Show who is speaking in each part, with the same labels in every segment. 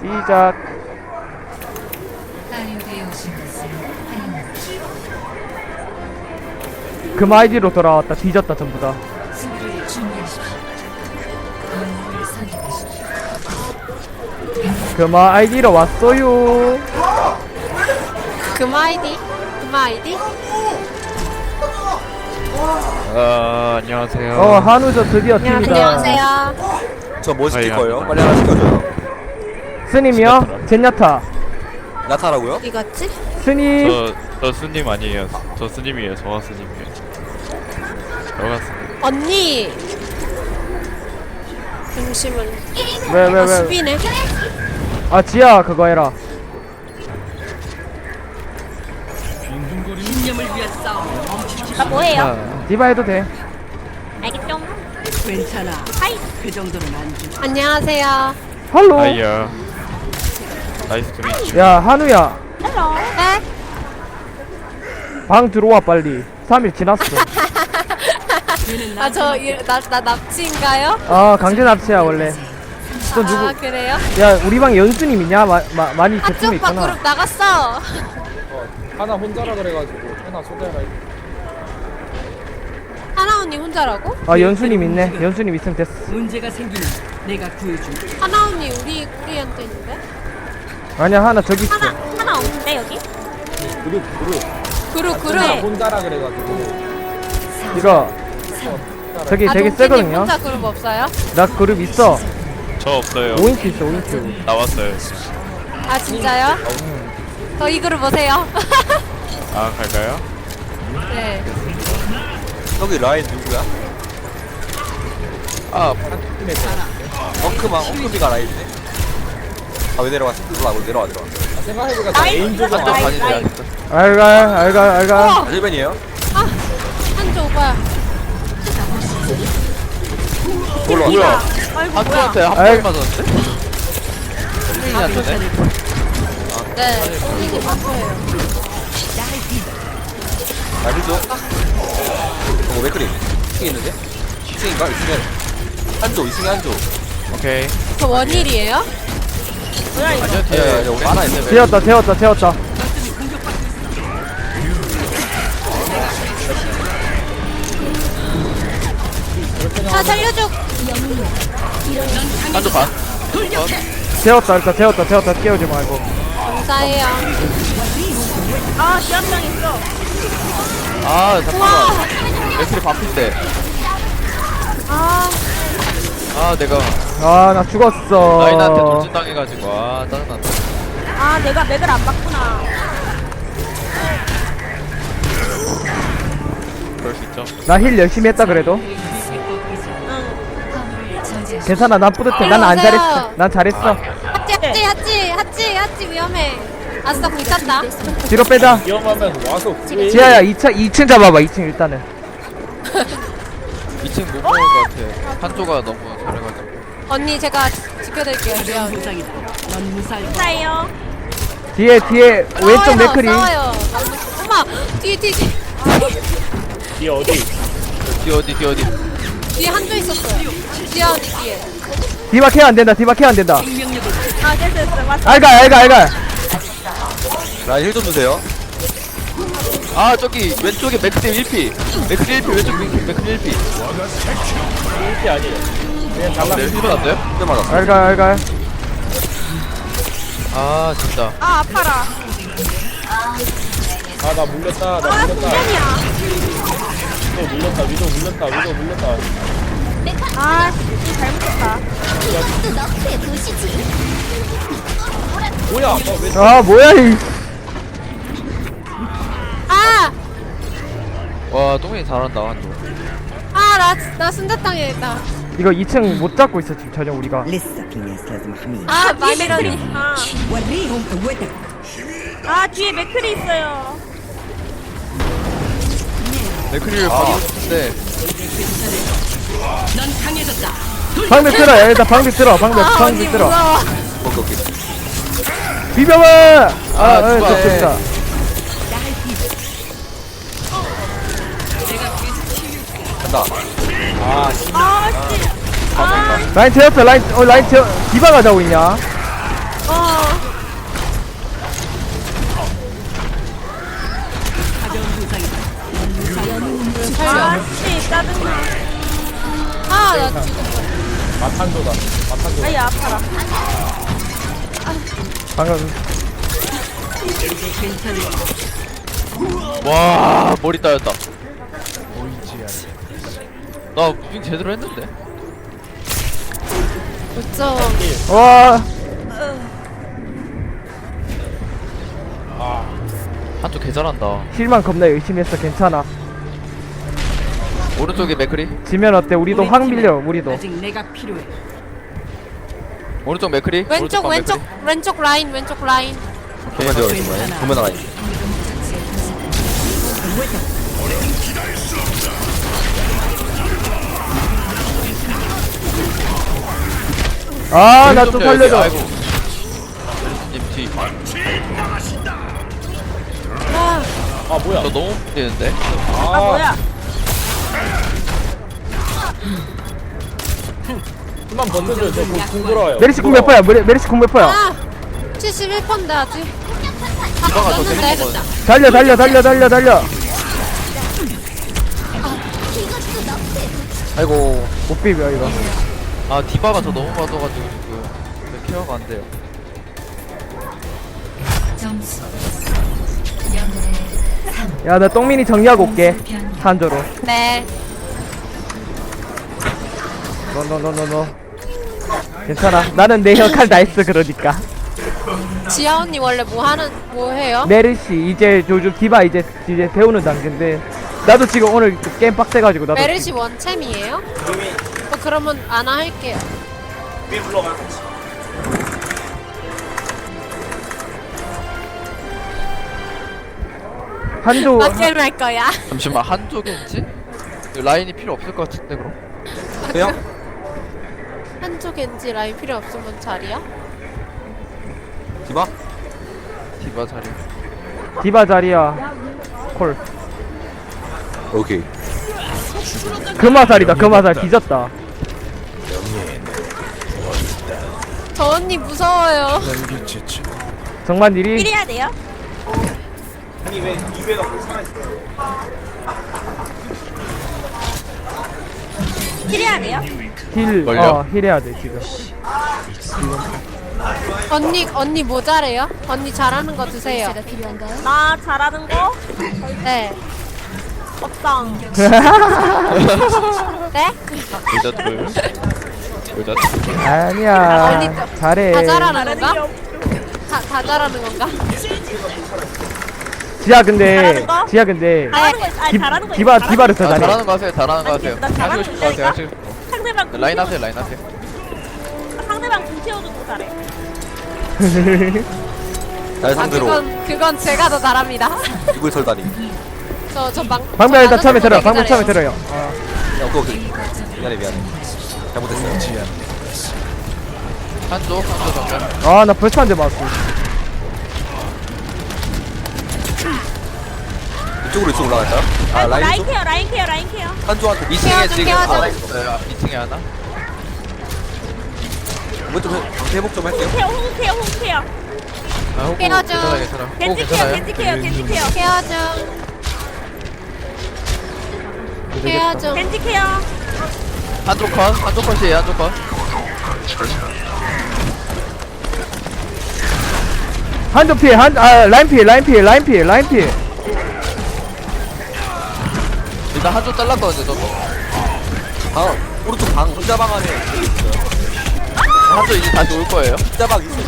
Speaker 1: 시작. 금 아이디로 돌아왔다. 뒤졌다 전부 다. 금 아이디로 왔어요.
Speaker 2: 금아 아이디? 금아 아이디?
Speaker 3: 안녕하세요.
Speaker 1: 한우저 드디어 팀이다.
Speaker 2: 안녕하세요.
Speaker 4: 저 뭐 시킬
Speaker 3: 아이,
Speaker 4: 거예요?
Speaker 3: 갑니다.
Speaker 4: 빨리 하나 시켜줘요.
Speaker 1: 스님이요? 젠야타.
Speaker 4: 나타라고요?
Speaker 2: 어디 갔지?
Speaker 1: 스님.
Speaker 3: 저 스님 아니에요. 저 스님이에요. 저가 스님이에요. 저가 스님.
Speaker 2: 언니! 잠시만.
Speaker 1: 왜?
Speaker 2: 수비네.
Speaker 1: 아 지야 그거 해라.
Speaker 2: 나 뭐해요?
Speaker 1: 디바 해도 돼.
Speaker 2: 알겠죠?
Speaker 5: 괜찮아. 그 정도는 안 돼.
Speaker 2: 안녕하세요.
Speaker 1: 할로.
Speaker 3: 아이야. 나이스 투미.
Speaker 1: 야 한우야.
Speaker 2: 네?
Speaker 1: 방 들어와 빨리. 3일 지났어.
Speaker 2: 나 납치인가요?
Speaker 1: 아 강제 납치야 원래. 또 누구?
Speaker 2: 아, 그래요?
Speaker 1: 야 우리 방 연수님이냐? 많이
Speaker 2: 하트
Speaker 1: 제품이
Speaker 2: 오빠
Speaker 1: 있구나.
Speaker 2: 그룹 나갔어.
Speaker 6: 하나 혼자라 그래가지고 하나 초대해라.
Speaker 2: 하나 언니 혼자라고?
Speaker 1: 아 연수님 있네. 연수님 있으면 됐어.
Speaker 5: 문제가 생기면 내가 구해줄게.
Speaker 2: 하나 언니 우리한테 있는데?
Speaker 1: 아니야 하나 저기 있어.
Speaker 2: 하나 없는데 여기? 그룹
Speaker 6: 하나 혼자라 그래가지고
Speaker 1: 이거 저기 되게
Speaker 2: 동진님
Speaker 1: 세거든요.
Speaker 2: 혼자 그룹 없어요?
Speaker 1: 나 그룹 있어.
Speaker 3: 저 없어요.
Speaker 1: 5인큐 있어 5인큐.
Speaker 3: 나왔어요.
Speaker 2: 아 진짜요? 저이 그룹 오세요.
Speaker 3: 아 갈까요?
Speaker 2: 네.
Speaker 4: 여기 라인 누구야?
Speaker 3: 아
Speaker 4: 엉크비가 라인이네. 아 왜 내려갔어? 몰라 내려와.
Speaker 6: 생각해보니까 다 애인 조정
Speaker 3: 한쪽 반이네.
Speaker 1: 알가.
Speaker 4: 일벤이에요?
Speaker 2: 한조 오빠야.
Speaker 4: 올라와.
Speaker 3: 뭐야? 한쪽한테 한
Speaker 1: 아이.
Speaker 3: 번 맞았는데? 승민이 안 되네.
Speaker 2: 네. 이게 맞아요.
Speaker 4: 아 힐조. 맥크리. 2층 있는데? 2층인가? 2층에 한조 2층에 한조.
Speaker 3: 오케이.
Speaker 2: 저 원일이에요?
Speaker 3: 아니요 뒤에
Speaker 4: 야, 우리 하나 있네.
Speaker 1: 재웠다.
Speaker 2: 아 살려줘.
Speaker 3: 한쪽 반.
Speaker 1: 재웠다 일단 재웠다 깨우지 말고.
Speaker 2: 감사해요. 아 지압장 있어.
Speaker 3: 아 잠깐만. 맥클이 반핀데. 아 내가
Speaker 1: 아 나 죽었어.
Speaker 3: 라인한테 돌진당해가지고 아 짜증난다.
Speaker 2: 아 내가 맥을 안 봤구나.
Speaker 3: 그럴 수 있죠.
Speaker 1: 나 힐 열심히 했다 그래도. 괜찮아 난 뿌듯해. 난 안 잘했어. 난 잘했어.
Speaker 2: 하찌 위험해. 아싸 불탔다.
Speaker 1: 뒤로 빼자.
Speaker 6: 위험하면 와서 구해.
Speaker 1: 지아야 2층 잡아봐. 2층 일단은.
Speaker 3: 2층 못 먹을 것 같아. 한조가 너무 잘해가지고.
Speaker 2: 언니 제가 지켜드릴게요.
Speaker 5: 이런 보상이다. 넌 무사할 거야.
Speaker 2: 감사해요.
Speaker 1: 뒤에 왼쪽 맥크리.
Speaker 2: 싸워요. 엄마 뒤에
Speaker 6: 뒤에 어디?
Speaker 3: 뒤 어디?
Speaker 2: 뒤에 한조 있었어요. 지아 언니 뒤에.
Speaker 1: 디바 케어 안 된다.
Speaker 5: 생명력을
Speaker 2: 아 됐어 맞어.
Speaker 1: 알가.
Speaker 4: 라인 힐 좀 주세요.
Speaker 3: 아 저기 왼쪽에 맥크리 1피. 맥크리 1피 왼쪽 맥크리 1피.
Speaker 6: 이게 아니에요. 그냥 잘라.
Speaker 3: 네 1번 안 돼요?
Speaker 4: 꽤 맞았어.
Speaker 1: 알가.
Speaker 3: 아 진짜.
Speaker 2: 아 아파라.
Speaker 6: 아 나 물렸다. 위도 물렸다.
Speaker 2: 아 잘못했다.
Speaker 6: 뭐야? 왜
Speaker 1: 아 뭐야 이.
Speaker 2: 아!
Speaker 3: 와 똥이 잘한다 한조.
Speaker 2: 나 순자탕이다.
Speaker 1: 이거 2층 못 잡고 있어 지금 전혀 우리가.
Speaker 5: لسه في ناس لازم احميها.
Speaker 2: 아 마미런이.
Speaker 5: وريهم قوتك.
Speaker 2: 아 뒤에 맥클이 있어요.
Speaker 3: 맥크리를 받고 싶은데
Speaker 5: 넌 강해졌다.
Speaker 1: 방벽 들어. 일단 방벽 들어.
Speaker 2: 언니
Speaker 1: 들어.
Speaker 2: 무서워.
Speaker 4: 오케이.
Speaker 1: 비벼봐.
Speaker 3: 좋아해.
Speaker 1: 좋다.
Speaker 4: 간다.
Speaker 1: 라인 채웠어. 라인 채워. 디바 가자고 있냐?
Speaker 5: 가벼운 부상이다.
Speaker 2: 아, 씨, 짜증나.
Speaker 7: 아, 나 지금
Speaker 6: 마탄조다. 마탄조.
Speaker 2: 아이, 아파라.
Speaker 1: 방금
Speaker 5: 이제 괜찮을
Speaker 3: 와 머리 따였다. 나 무빙 제대로 했는데.
Speaker 7: 어쩜
Speaker 1: 와
Speaker 3: 한쪽 개 잘한다.
Speaker 1: 힐만 겁나 열심히 했어. 괜찮아.
Speaker 3: 오른쪽에 맥크리.
Speaker 1: 지면 어때? 우리도 확 밀려. 우리도.
Speaker 5: 아직 내가 필요해.
Speaker 3: 오른쪽 맥크리.
Speaker 7: 왼쪽
Speaker 3: 방
Speaker 7: 왼쪽
Speaker 3: 맥크리.
Speaker 7: 왼쪽 라인 왼쪽 라인.
Speaker 4: 보면 되어 있는 거야. 보면 나가 있어.
Speaker 1: 아 나
Speaker 3: 왼쪽
Speaker 1: 좀
Speaker 3: 펴야지.
Speaker 1: 살려줘.
Speaker 3: 아이고. 님 뒤.
Speaker 6: 아 뭐야?
Speaker 3: 너 너무 되는데.
Speaker 2: 아, 뭐야.
Speaker 6: 좀만 버텨줘. 저궁 들어와요.
Speaker 1: 메리시 궁 몇 퍼야? 메리시 궁 몇 퍼야?
Speaker 7: 아 71%인데 아직. 아
Speaker 3: 디바가 더
Speaker 7: 넣었는데.
Speaker 3: 재밌는 거.
Speaker 1: 달려.
Speaker 4: 아이고.
Speaker 1: 못 비벼 이거.
Speaker 3: 아 디바가 저 너무 맞아가지고 지금 케어가 안 돼요.
Speaker 1: 야 나 똥민이 정리하고 올게. 한조로.
Speaker 7: 네.
Speaker 1: 너. 괜찮아. 나는 내 역할 다 했어. 그러니까.
Speaker 7: 지아 언니 원래 뭐 해요?
Speaker 1: 메르시 이제 요즘 디바 이제 배우는 단계인데 나도 지금 오늘 게임 빡세가지고 나도
Speaker 7: 메르시 원챔이에요? 그러면 아나 할게요.
Speaker 1: 한조
Speaker 7: 맞게임 할 거야.
Speaker 3: 잠시만 한쪽인지? 라인이 필요 없을 것 같은데 그럼?
Speaker 4: 그냥
Speaker 7: 한쪽 겐지 라인 필요 없으면 자리야?
Speaker 4: 디바?
Speaker 3: 디바 자리.
Speaker 1: 디바 자리야 콜
Speaker 4: 오케이.
Speaker 1: 금화살이다. 금화살 뒤졌다.
Speaker 7: 저 언니 무서워요.
Speaker 1: 정말 일이
Speaker 2: 필해야 돼요? 필해야 돼요?
Speaker 3: 걸려?
Speaker 1: 힐해야 돼 지금.
Speaker 7: 언니 뭐 잘해요? 언니 잘하는 거 드세요.
Speaker 2: 나 잘하는 거?
Speaker 7: 네.
Speaker 2: 먹방.
Speaker 7: 네?
Speaker 3: 여자들. 여자들.
Speaker 1: 아니야
Speaker 7: 언니
Speaker 1: 잘해.
Speaker 7: 다 잘하는
Speaker 2: 다른 게
Speaker 7: 건가?
Speaker 2: 없어.
Speaker 7: 다 잘하는 건가?
Speaker 1: 지야 근데
Speaker 2: 잘하는 거?
Speaker 1: 지야 근데
Speaker 2: 잘하는 거, 아니, 잘하는 거.
Speaker 1: 디바 디바를 더
Speaker 3: 아,
Speaker 1: 잘해.
Speaker 3: 잘하는 거 하세요. 잘하는 거 하세요.
Speaker 2: 나 잘하는
Speaker 3: 하시고 싶은 거 하세요. 하시고 싶은 거.
Speaker 2: 상대방
Speaker 3: 라인 하세요. 라인 하세요.
Speaker 2: 상대방 궁 채워줘도 잘해.
Speaker 4: 날
Speaker 7: 아
Speaker 4: 상대로
Speaker 7: 그건 제가 더 잘합니다.
Speaker 4: 이불 설다리.
Speaker 1: 방금 일단 처음에 들어요. 방금 처음에 들어요.
Speaker 4: 야, 오케이. 미안해. 잘못했어요.
Speaker 3: 한쪽 정면.
Speaker 1: 아나 벌써 한 대 맞았어.
Speaker 4: 이쪽으로 올라갈까요? 아, 라인
Speaker 2: 라인
Speaker 4: 쪽?
Speaker 2: 케어, 라인 케어, 라인 케어.
Speaker 4: 한조한테
Speaker 3: 2층에 지금
Speaker 7: 케어줘.
Speaker 3: 하나 있어요. 2층에 하나.
Speaker 4: 이번 좀 회복 좀 할게요.
Speaker 2: 케어, 호구 케어, 호구 케어.
Speaker 3: 아, 호구
Speaker 7: 깨워줘.
Speaker 3: 괜찮아 괜찮아. 호구
Speaker 2: 겐지 케어,
Speaker 3: 괜찮아요.
Speaker 2: 겐지 케어, 겐지 케어.
Speaker 7: 케어 좀. 케어 좀.
Speaker 2: 겐지 케어.
Speaker 3: 한쪽 컷. 한쪽 컷이에요. 한쪽 컷.
Speaker 1: 한조 피해 라인 피해.
Speaker 3: 일단 한쪽 잘랐거든요. 저도.
Speaker 4: 방, 오른쪽 방, 혼자 방 안에
Speaker 3: 한쪽 이제 다시 올 거예요.
Speaker 4: 혼자 방 있어.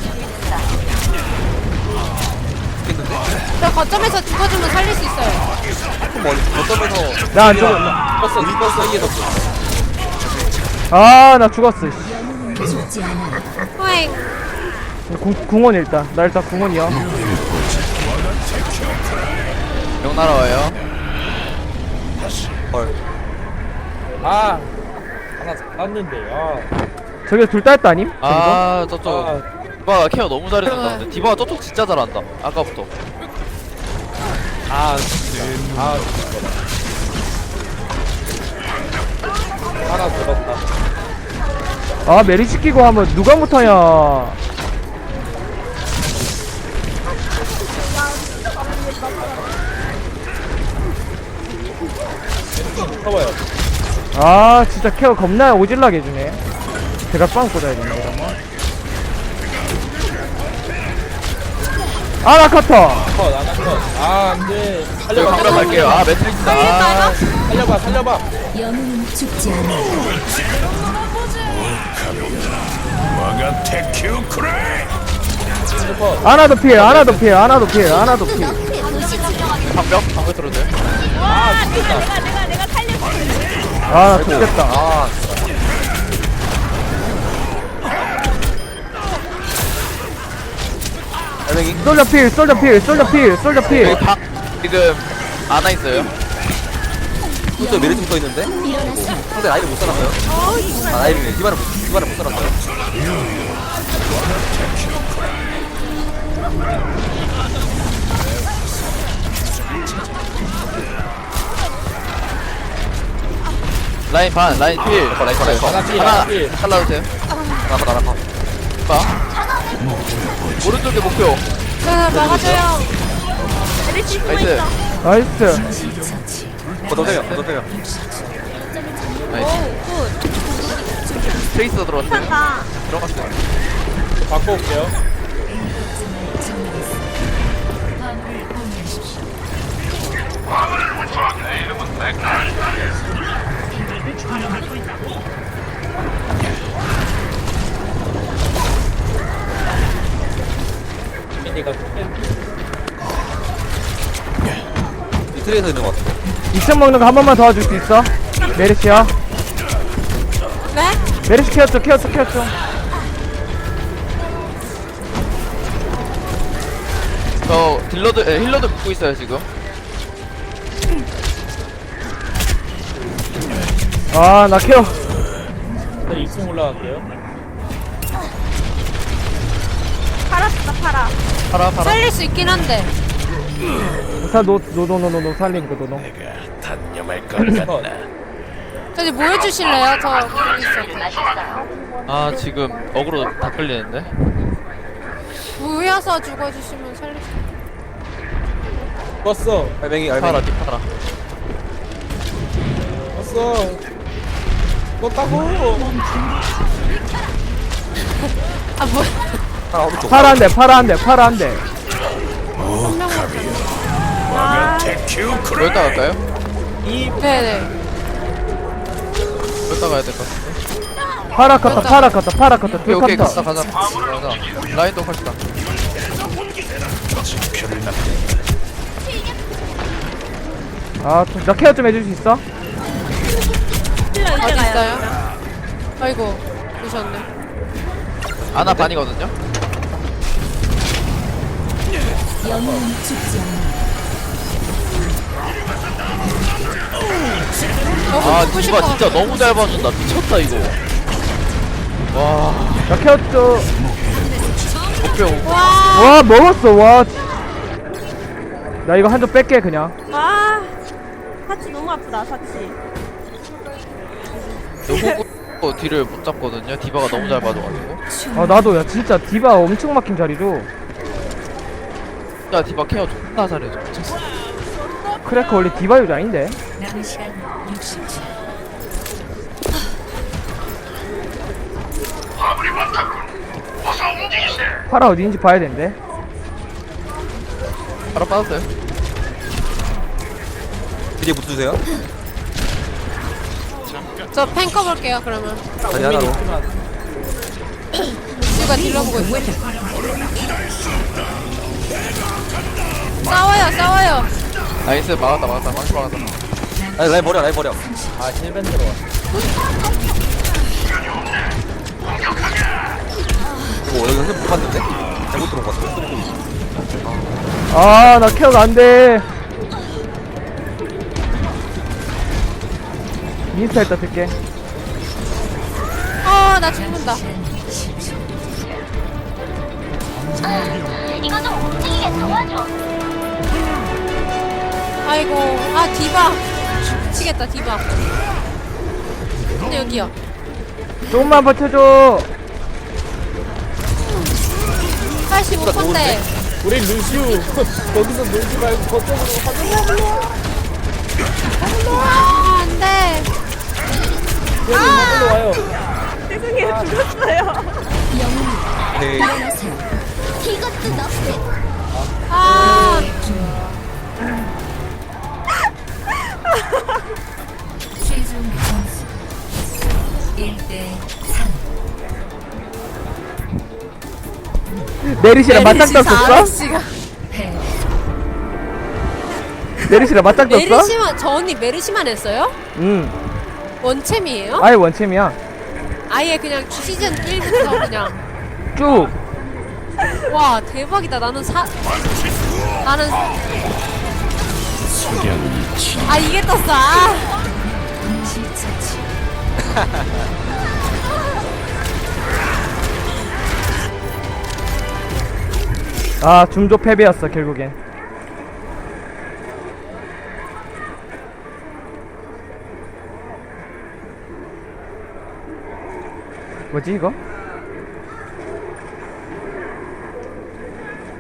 Speaker 4: 있겠는데?
Speaker 7: 저 거점에서 죽어주면 살릴 수 있어요.
Speaker 4: 조금 멀리, 거점에서
Speaker 1: 나 안 죽어.
Speaker 4: 우리 버스 사이에서
Speaker 1: 아나 죽었어.
Speaker 7: 호잉.
Speaker 1: 궁원 일단. 나 일단 궁원이야.
Speaker 3: 명 날아와요.
Speaker 4: 헐.
Speaker 6: 아 하나 땄는데.
Speaker 1: 저기 둘 따였다 아님? 저기도?
Speaker 3: 아 저쪽.
Speaker 6: 아,
Speaker 3: 디바가 케어 너무 잘해준다. 근데 디바가 저쪽 진짜 잘한다. 아까부터.
Speaker 6: 아, 하나 들었다.
Speaker 1: 아 메리 시키고 하면 누가 못하냐.
Speaker 6: 커버요.
Speaker 1: 아 진짜 케어 겁나 오질라게 해주네. 제가 빵 꽂아야겠네 이러면. 아나 커터.
Speaker 6: 컷, 안 컷. 아, 안 돼.
Speaker 3: 저기
Speaker 6: 살려봐,
Speaker 3: 방으로 갈게요. 아 매트릭스다. 아,
Speaker 6: 살려봐, 살려봐.
Speaker 8: 영웅은 죽지 않아.
Speaker 6: 살려 컷.
Speaker 1: 아나도 필 아나도 필 아나도 필 아나도 필.
Speaker 3: 방벽 들어오세요.
Speaker 2: 와, 내가 살렸어.
Speaker 1: 아 죽겠다.
Speaker 4: 아 알맹이
Speaker 1: 솔저 필 솔저 필 솔저 필 솔저 필.
Speaker 3: 여기 박 지금 안와 있어요.
Speaker 4: 또 메리트 붙어 있는데 상대 라인을 못 살았어요. 아 라인이네. 디바를 못 살았어요.
Speaker 3: 라인 반, 라인 필.
Speaker 4: 라인 컷.
Speaker 6: 하나 필,
Speaker 3: 하나
Speaker 6: 하나 필.
Speaker 3: 잘라주세요.
Speaker 4: 나가.
Speaker 3: 봐. 오른쪽에 목표.
Speaker 7: 자, 막아줘요.
Speaker 2: 메르시 숨어
Speaker 3: 나이스.
Speaker 2: 있어.
Speaker 1: 나이스.
Speaker 4: 걷어세요.
Speaker 3: 나이스. 트레이서 들어왔어요.
Speaker 2: 괜찮다.
Speaker 3: 들어갔어요.
Speaker 6: 바꿔 올게요. 미니가
Speaker 4: 이 트레에서 있는 것 같아.
Speaker 1: 2층 먹는 거 한 번만 도와줄 수 있어? 메르시야.
Speaker 7: 네?
Speaker 1: 메르시 케어 좀 케어 좀 케어 좀.
Speaker 3: 저 힐러도 붙고 있어요 지금.
Speaker 1: 아 나 케어.
Speaker 6: 네, 2층 올라갈게요.
Speaker 2: 팔았다, 팔아.
Speaker 3: 팔아.
Speaker 7: 살릴 수 있긴 한데.
Speaker 1: 노 살린 거 노노.
Speaker 6: 컷.
Speaker 7: 저기 모여주실래요? 저 거기 있어.
Speaker 3: 아 지금 어그로 다 끌리는데.
Speaker 7: 모여서 죽어주시면 살릴 수.
Speaker 6: 껐어.
Speaker 4: 알맹이.
Speaker 3: 팔아 뒷팔아.
Speaker 6: 껐어. 껐다고.
Speaker 7: 아 뭐야?
Speaker 4: 하나 오른쪽.
Speaker 1: 파라 한 대, 파라 한 대, 파라 한 대.
Speaker 3: 여기다 갈까요?
Speaker 7: 네네.
Speaker 3: 여기다 가야 될 것 같은데.
Speaker 1: 파라 컸다, 파라 컸다, 파라 컸다,
Speaker 3: 오케이
Speaker 1: 둘
Speaker 3: 오케이
Speaker 1: 컸다.
Speaker 3: 가자. 라인도 컷이다.
Speaker 1: 아, 나 케어 좀 해줄 수 있어?
Speaker 2: 힐러
Speaker 7: 어디
Speaker 2: 이제 가요.
Speaker 7: 있어요? 아이고 오셨네.
Speaker 3: 아나 반이거든요.
Speaker 8: 영웅은 죽지 않아.
Speaker 3: 아
Speaker 7: 죽고
Speaker 3: 디바
Speaker 7: 싶어.
Speaker 3: 진짜 너무 잘 봐준다. 미쳤다 이거. 와
Speaker 1: 나 케어 좀.
Speaker 3: 목표.
Speaker 1: 와, 먹었어, 와. 나 이거 한 점 뺄게, 그냥.
Speaker 2: 와, 사치 너무 아프다, 사치.
Speaker 3: 호구 뒤를 못 잡거든요. 디바가 너무 잘 봐줘가지고.
Speaker 1: 아, 나도, 야, 진짜 디바 엄청 막힌 자리죠.
Speaker 3: 야 디바 케어 존나 잘해줘. 미쳤어.
Speaker 1: 크래커 원래 디바 유저 아닌데?
Speaker 5: 남은 시간 60초.
Speaker 1: 파라 어디인지 봐야 되는데.
Speaker 3: 바로 빠졌어요.
Speaker 4: 뒤에 붙으세요.
Speaker 7: 저 펜 꺼볼게요 그러면.
Speaker 4: 다리 하나로.
Speaker 7: 누가 딜러보고 있어. 싸워요.
Speaker 3: 나이스 막았다. 망치 막았다.
Speaker 4: 라인 버려.
Speaker 6: 아, 힐밴 들어와.
Speaker 4: 오 여기 선생 못 봤는데? 잘못 들어온 것 같아.
Speaker 1: 아, 나 케어가 안 돼. 인스타 일단 쓸게.
Speaker 7: 나 죽는다. 아이고, 디바. 미치겠다, 디바. 근데 여기요.
Speaker 1: 조금만 버텨줘.
Speaker 7: 85%인데.
Speaker 6: 우리 루시우 거기서 놀지 말고 저쪽으로 가자.
Speaker 7: 아, 안 돼.
Speaker 6: 얘는 이걸로 와요.
Speaker 2: 죄송해요, 죽었어요.
Speaker 4: 오케이.
Speaker 8: 이것도 너프에
Speaker 7: 아,
Speaker 5: 최종 점수 1대 3.
Speaker 1: 메리시랑 맞짱 떴었어?
Speaker 7: 아렉시가.
Speaker 5: 패.
Speaker 1: 메리시랑 맞짱 떴어?
Speaker 7: 메르시만, 저 언니 메르시만 했어요?
Speaker 1: 응.
Speaker 7: 원챔이에요?
Speaker 1: 아예 원챔이야.
Speaker 7: 아예 그냥 시즌 1부터 그냥.
Speaker 1: 쭉.
Speaker 7: 와, 대박이다. 나는 아, 이게 떴어. 아.
Speaker 5: 동시처치.
Speaker 1: 아, 중조 패배였어 결국엔. 뭐지 이거?